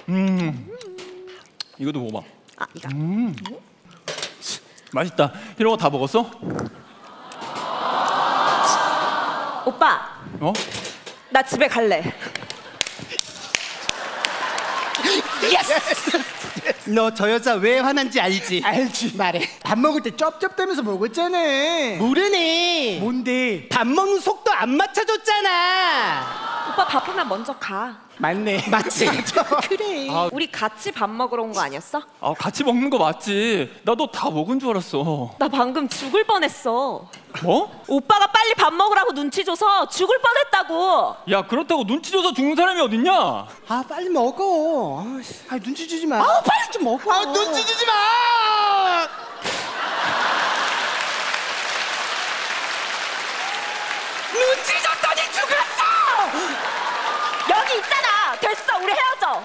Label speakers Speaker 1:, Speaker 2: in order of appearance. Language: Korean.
Speaker 1: 이것도 먹어봐.
Speaker 2: 아, 이거.
Speaker 1: 맛있다. 이런 거 다 먹었어?
Speaker 2: 오빠,
Speaker 1: 어?
Speaker 2: 나 집에 갈래.
Speaker 3: 너 저 여자 왜 화난지 알지?
Speaker 4: 알지. 말해. 밥 먹을 때 쩝쩝대면서 먹었잖아.
Speaker 3: 모르네.
Speaker 4: 뭔데?
Speaker 3: 밥 먹는 속도 안 맞춰줬잖아.
Speaker 2: 오빠 바쁘면 먼저 가.
Speaker 4: 맞네.
Speaker 3: 맞지?
Speaker 4: 그래.
Speaker 2: 우리 같이 밥 먹으러 온 거 아니었어?
Speaker 1: 아, 같이 먹는 거 맞지? 나 너 다 먹은 줄 알았어.
Speaker 2: 나 방금 죽을 뻔했어.
Speaker 1: 뭐?
Speaker 2: 오빠가 빨리 밥 먹으라고 눈치 줘서 죽을 뻔했다고.
Speaker 1: 야, 그렇다고 눈치 줘서 죽는 사람이 어딨냐?
Speaker 4: 아 빨리 먹어.
Speaker 3: 아 눈치 주지 마.
Speaker 4: 아 빨리 좀 먹어.
Speaker 3: 아 눈치 주지 마.